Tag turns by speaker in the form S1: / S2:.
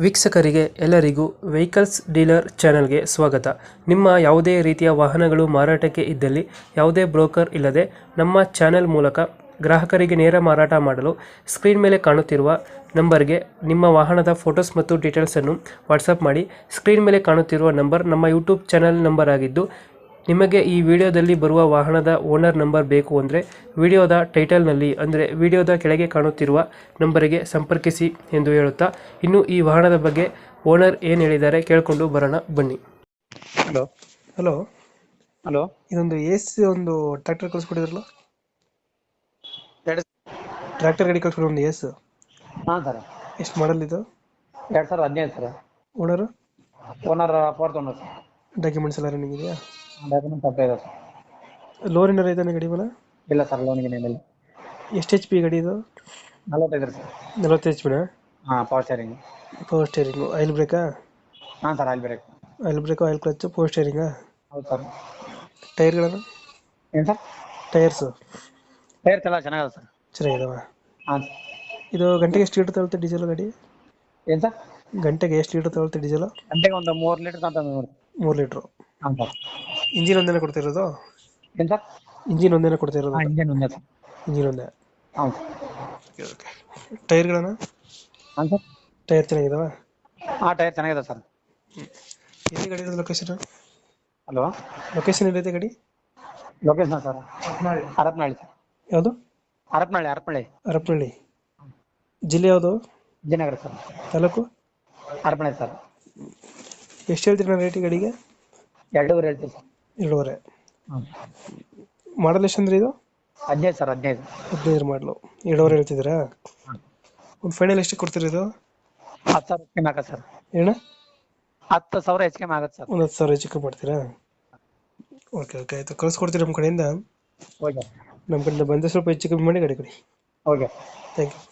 S1: ವೀಕ್ಷಕರಿಗೆ ಎಲ್ಲರಿಗೂ vehicles dealer ಚಾನೆಲ್ಗೆ ಸ್ವಾಗತ. ನಿಮ್ಮ ಯಾವುದೇ ರೀತಿಯ ವಾಹನಗಳು ಮಾರಾಟಕ್ಕೆ ಇದ್ದಲ್ಲಿ ಯಾವುದೇ ಬ್ರೋಕರ್ ಇಲ್ಲದೆ ನಮ್ಮ ಚಾನೆಲ್ ಮೂಲಕ ಗ್ರಾಹಕರಿಗೆ ನೇರ ಮಾರಾಟ ಮಾಡಲು ಸ್ಕ್ರೀನ್ ಮೇಲೆ ಕಾಣುತ್ತಿರುವ ನಂಬರ್ಗೆ ನಿಮ್ಮ ವಾಹನದ ಫೋಟೋಸ್ ಮತ್ತು ಡೀಟೇಲ್ಸನ್ನು ವಾಟ್ಸಪ್ ಮಾಡಿ. ಸ್ಕ್ರೀನ್ ಮೇಲೆ ಕಾಣುತ್ತಿರುವ ನಂಬರ್ ನಮ್ಮ ಯೂಟ್ಯೂಬ್ ಚಾನೆಲ್ ನಂಬರ್ ಆಗಿದ್ದು, ನಿಮಗೆ ಈ ವಿಡಿಯೋದಲ್ಲಿ ಬರುವ ವಾಹನದ ಓನರ್ ನಂಬರ್ ಬೇಕು ಅಂದರೆ ವಿಡಿಯೋದ ಟೈಟಲ್ನಲ್ಲಿ ಅಂದರೆ ವಿಡಿಯೋದ ಕೆಳಗೆ ಕಾಣುತ್ತಿರುವ ನಂಬರಿಗೆ ಸಂಪರ್ಕಿಸಿ ಎಂದು ಹೇಳುತ್ತಾ, ಇನ್ನು ಈ ವಾಹನದ ಬಗ್ಗೆ ಓನರ್ ಏನು ಹೇಳಿದ್ದಾರೆ ಕೇಳಿಕೊಂಡು ಬರೋಣ ಬನ್ನಿ.
S2: ಹಲೋ
S1: ಹಲೋ,
S2: ಹಲೋ
S1: ಇದೊಂದು ಒಂದು ಟ್ರ್ಯಾಕ್ಟರ್ ಕಳಿಸ್ಕೊಟ್ಟಿದ್ರಲ್ಲ,
S2: ಎರಡು
S1: ಟ್ರ್ಯಾಕ್ಟರ್ ಗಾಡಿ ಕಳಿಸ್ಕೊಡಿ ಒಂದು
S2: ಹಾಂ ಸರ್.
S1: ಎಷ್ಟು ಮಾಡಲ್ ಇದು?
S2: 2015 sir.
S1: Owner
S2: owner fourth owner sir.
S1: Documents ಎಲ್ಲ ರನ್ನಿಂಗ್ ಇದೆಯಾ?
S2: ಡಾಕ್ಯುಮೆಂಟ್ ಅಪ್ಲೈ ಇದೆ ಸರ್.
S1: ಲೋನ್ ಏನಾರ ಐತಾನೆ ಗಾಡಿ ಮೇಲೆ?
S2: ಇಲ್ಲ ಸರ್, ಲೋನ್ಗೆ ಏನಿಲ್ಲ.
S1: ಎಷ್ಟು ಎಚ್ ಪಿ ಗಾಡಿ ಇದು?
S2: 45 ಸರ್.
S1: 40 ಎಚ್ ಪಿನ?
S2: ಹಾಂ, power steering.
S1: Power steering, oil ಬ್ರೇಕಾ?
S2: ಹಾಂ sir, oil brake.
S1: Oil brake, oil clutch, power ಸ್ಟೇರಿಂಗಾ?
S2: ಹೌದು ಸರ್.
S1: ಟೈರ್ಗಳನ್ನು?
S2: ಏನು ಸರ್?
S1: ಟೈರ್ಸು
S2: ಟೈರ್ಸ್ ಎಲ್ಲ ಚೆನ್ನಾಗಿದೆ ಸರ್.
S1: ಚೆನ್ನಾಗಿದಾವ?
S2: ಹಾಂ.
S1: ಇದು ಗಂಟೆಗೆ ಎಷ್ಟು ಲೀಟರ್ ತಗೊಳುತ್ತೆ ಡೀಸೆಲ್ ಗಾಡಿ?
S2: ಏನು ಸರ್?
S1: ಗಂಟೆಗೆ ಎಷ್ಟು ಲೀಟರ್ ತಗೊಳುತ್ತೆ ಡೀಸೆಲ್?
S2: ಗಂಟೆಗೆ ಒಂದು 3 ಲೀಟರ್ ಅಂತ ನೋಡಿ.
S1: 3 ಲೀಟ್ರು.
S2: ಹಾಂ ಸರ್.
S1: ಇಂಜಿನ್ ಒಂದೇನೆ ಕೊಡ್ತಿರೋದು?
S2: ಏನು ಸರ್?
S1: ಇಂಜಿನ್ ಒಂದೇನೆ ಕೊಡ್ತಿರೋದು?
S2: ಹಾಂ, ಇಂಜನ್ ಒಂದೇ ಸರ್.
S1: ಇಂಜಿನ್ ಒಂದೇ.
S2: ಹಾಂ
S1: ಓಕೆ. ಟೈರ್ಗಳನ್ನು?
S2: ಹಾಂ ಸರ್.
S1: ಟೈರ್ ಚೆನ್ನಾಗಿದಾವ?
S2: ಹಾಂ, ಟೈರ್ ಚೆನ್ನಾಗಿದೆ ಸರ್.
S1: ಎಲ್ಲಿ ಗಾಡಿ ಇರೋದು? ಲೊಕೇಶನ್?
S2: ಹಲೋ,
S1: ಲೊಕೇಶನ್ ಎಲ್ಲಿದೆ ಗಾಡಿ?
S2: Location sir Harapanahalli sir.
S1: ಯಾವುದು?
S2: ಹರಪನಹಳ್ಳಿ.
S1: ಹರಪನಹಳ್ಳಿ. ಜಿಲ್ಲೆ ಯಾವುದು?
S2: ವಿಜಯನಗರ ಸರ್.
S1: ತಾಲೂಕು?
S2: ಹರಪನಹಳ್ಳಿ ಸರ್.
S1: ಎಷ್ಟು ಹೇಳ್ತೀರಿ ನಾನು ರೇಟ್ ಗಾಡಿಗೆ?
S2: 2.5 ಹೇಳ್ತೀವಿ ಸರ್.
S1: 2.5.
S2: ಹಾಂ.
S1: ಮಾಡಲ್ ಎಷ್ಟು ಅಂದ್ರೆ ಇದು?
S2: 15 ಸರ್. 15.
S1: 15 ಮಾಡಲು 2.5 ಹೇಳ್ತಿದ್ದೀರಾ?
S2: ಹಾಂ.
S1: ಒಂದು ಫೈನಲ್ ಎಷ್ಟು ಕೊಡ್ತೀರಿ ಇದು?
S2: 10,000 ಹೆಚ್ಚಿಗೆ ಆಗತ್ತೆ ಸರ್.
S1: ಏನ?
S2: 10,000 ಹೆಚ್ಚಿಗೆ ಆಗತ್ತೆ ಸರ್.
S1: ಒಂದು 10,000 ಹೆಚ್ಚು ಕಮ್ಮಿ ಮಾಡ್ತೀರಾ? ಓಕೆ ಆಯಿತು, ಕಳಿಸ್ಕೊಡ್ತೀರಿ ನಮ್ಮ ಕಡೆಯಿಂದ.
S2: ಓಕೆ.
S1: ನಮ್ಮ ಕಡೆಯಿಂದ ಬಂದರೆ ಸ್ವಲ್ಪ ಹೆಚ್ಚು ಕಮ್ಮಿ ಮಾಡಿ ಗಾಡಿ ಕೊಡಿ.
S2: ಓಕೆ.
S1: Thank you.